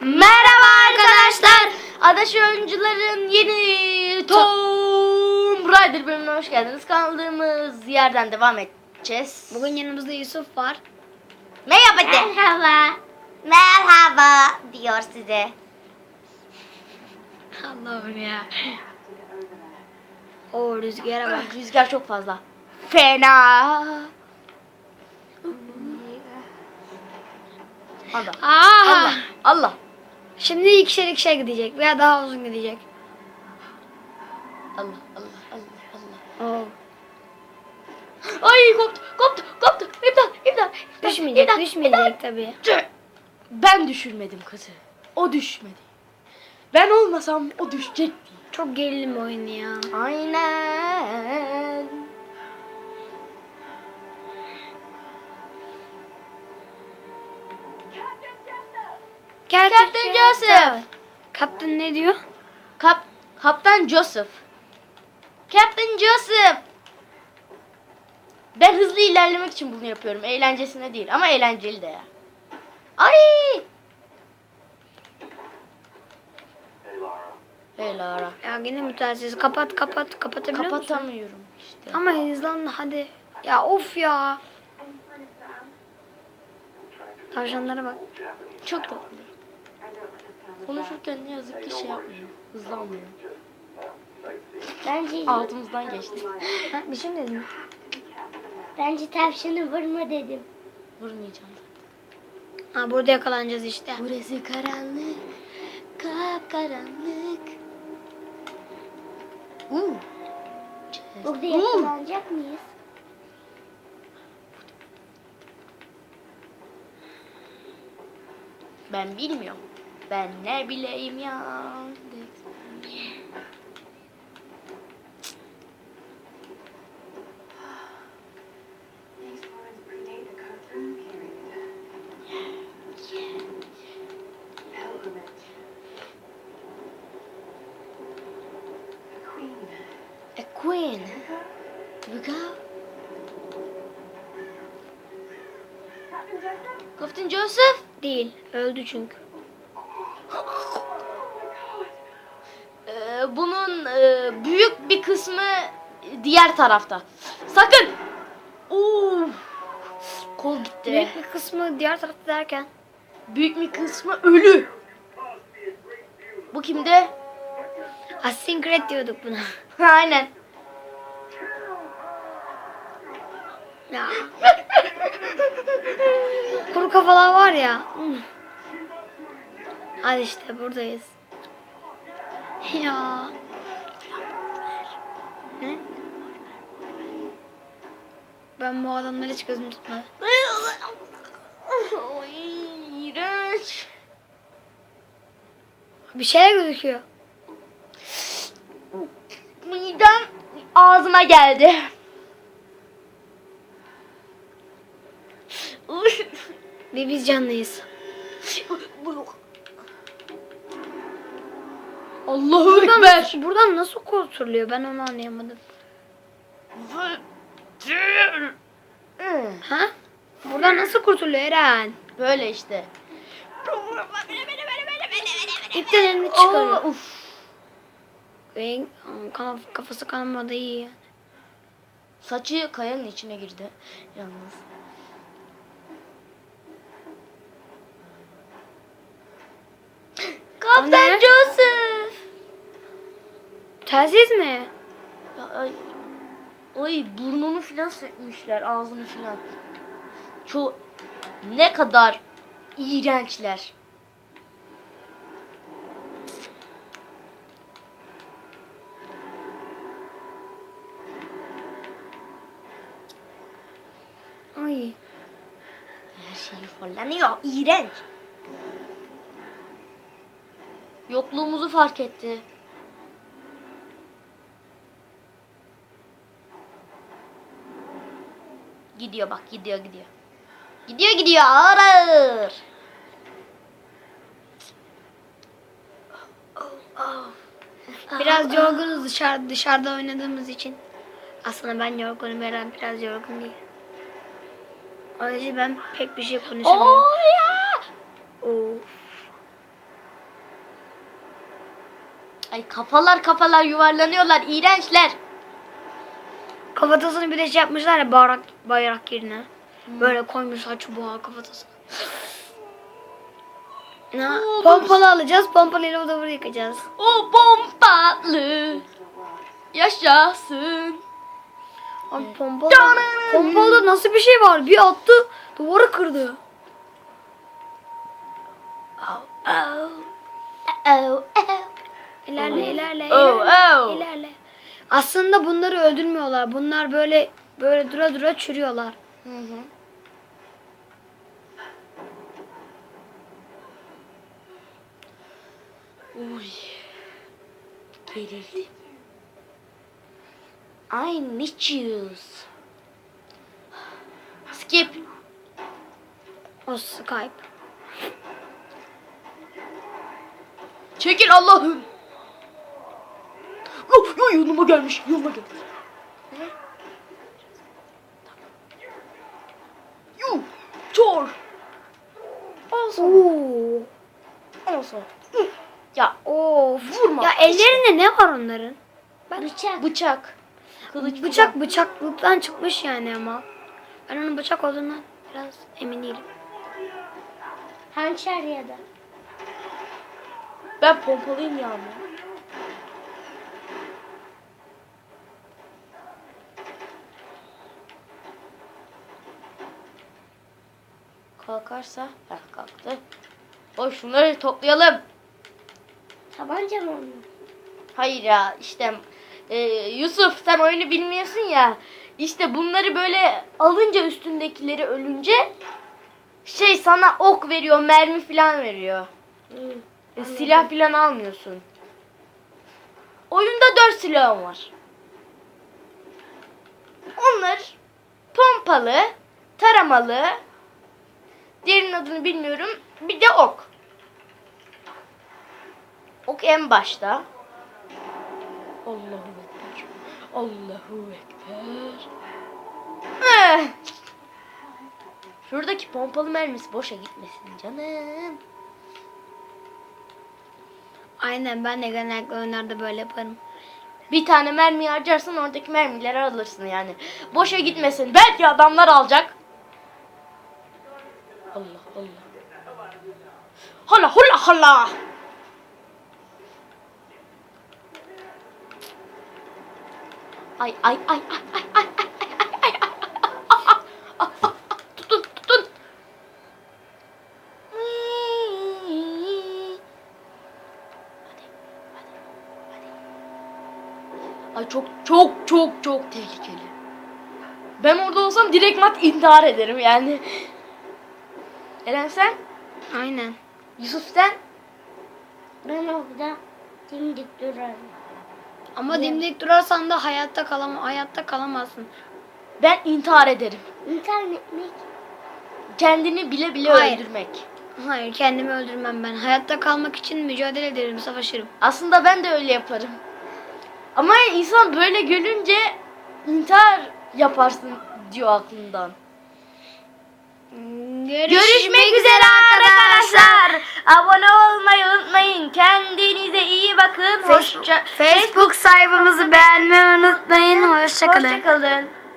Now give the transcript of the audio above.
Merhaba arkadaşlar. Adaş Oyuncuların yeni Tomb Raider bölümüne hoş geldiniz. Kaldığımız yerden devam edeceğiz. Bugün yanımızda Yusuf var. Merhaba de. Merhaba. Merhaba diyor size. Allah'ım ya. O rüzgara bak. Rüzgar çok fazla. Fena. Allah. Allah. Allah. Şimdi ikişer gidecek veya daha uzun gidecek. Allah. Allah. Allah. Allah. Oo. Ay koptu. İmdat. Düşmeyecek tabii. Ben düşürmedim kızı. O düşmedi. Ben olmasam o düşecekti. Çok gerilim oyunu ya. Aynen. Captain Joseph. Kaptan ne diyor? Kaptan Joseph. Captain Joseph. Ben hızlı ilerlemek için bunu yapıyorum. Eğlencesine değil ama eğlenceli de ya. Ay! Hey Lara. Ya yine müteahhit. Kapatabiliyor musun? Kapatamıyorum işte. Ama hızlan hadi. Ya of ya. Tavşanlara bak. Çok tatlı. Konuşurken ne yazık ki şey yapmıyor. Hızlanmıyor. Bence Altımızdan geçti. Ha, bir şey mi dedin? bence tavşanı vurma dedim. Vurmayacağım. Ha, burada yakalanacağız işte. Burası karanlık. Kapkaranlık. Burada yakalanacak mıyız? Ben bilmiyorum. Ben ne bileyim ya. A queen. Look out. Captain Joseph. Değil. Öldü çünkü. Bunun büyük bir kısmı diğer tarafta. Sakın. Kol gitti. Büyük bir kısmı diğer tarafta derken. Büyük bir kısmı ölü. Bu kimde? Assassin's Creed diyorduk buna. Aynen. Ya. Kuru kafalar var ya. Hadi işte buradayız. Ya. Ne? Ben bu adamları hiç gözüm tutmadı. Ay, iğrenç. Bir şeyler gözüküyor. Midem ağzıma geldi. Bir biz canlıyız. Allahu Ekber. Buradan nasıl kurtuluyor ben onu anlayamadım. Ha? Buradan nasıl kurtuluyor Eren? Böyle işte. İpten elini çıkarıyor. Uf. Kafası kanamadı iyi. Saçı kayanın içine girdi yalnız. Kaptan Joseph. Telsiz mi? Ay burnunu filan sökmüşler, ağzını filan. Ne kadar iğrençler. Ay. Her şey yuvarlanıyor. İğrenç. Yokluğumuzu fark etti. Gidiyor bak, gidiyor. Gidiyor ağır ağır. Biraz yorgunuz dışarıda oynadığımız için. Aslında ben yorgunum, Eren biraz yorgun değil. O yüzden ben pek bir şey konuşamıyorum. Oh ya! Of. Ay kafalar yuvarlanıyorlar. İğrençler. Kafatasını bir de şey yapmışlar ya bayrak yerine. Böyle koymuşlar çubuğa kafatasını. Pompalı alacağız. Pompalıyla o da yıkacağız. O pompalı yaşasın. Abi pompalı nasıl bir şey var? Bir attı duvarı kırdı. İlerle. İlerle. Aslında bunları öldürmüyorlar. Bunlar böyle dura çürüyorlar. Uy. Gerildim. I need you. Skip. O Skype. Çekil Allah'ım. Oh, yanıma gelmiş. Yuh. Çor. Oo. Olsun. Ya Of. vurma. Ya ellerinde ne var onların? Bıçak. Kılıç Bıçaklıktan çıkmış yani ama. Ben onun bıçak olduğundan biraz emin değilim. Hançer ya da. Ben pompalıyım ya. Kalkarsa kalktı. O şunları toplayalım. Tabanca mı onun? Hayır ya işte Yusuf sen oyunu bilmiyorsun ya. İşte bunları böyle alınca üstündekileri ölünce şey sana ok veriyor, mermi falan veriyor. Silah falan almıyorsun. Oyunda 4 silahım var. Onlar pompalı, taramalı, diğerinin adını bilmiyorum. Bir de ok. Ok en başta. Allahu Ekber. Allahu Ekber. Şuradaki pompalı mermisi boşa gitmesin canım. Aynen ben de genellikle oyunlarda böyle yaparım. Bir tane mermi harcarsan oradaki mermileri alırsın yani. Boşa gitmesin. Belki adamlar alacak. Allah. Hala. Ay. Tutun. Ay çok tehlikeli. Ben orada olsam direkt intihar ederim yani. Eren sen? Aynen. Yusuf sen? Ben orada dimdik durarım. Ama dimdik durarsan da hayatta kalamazsın. Ben intihar ederim. İntihar etmek. Kendini bile Hayır. öldürmek. Hayır kendimi öldürmem ben. Hayatta kalmak için mücadele ederim, savaşırım. Aslında ben de öyle yaparım. Ama insan böyle görünce intihar yaparsın diyor aklından. Görüşmek üzere arkadaşlar. Abone olmayı unutmayın. Kendinize iyi bakın. Facebook sayfamızı beğenmeyi unutmayın. Hoşçakalın. Hoşçakalın.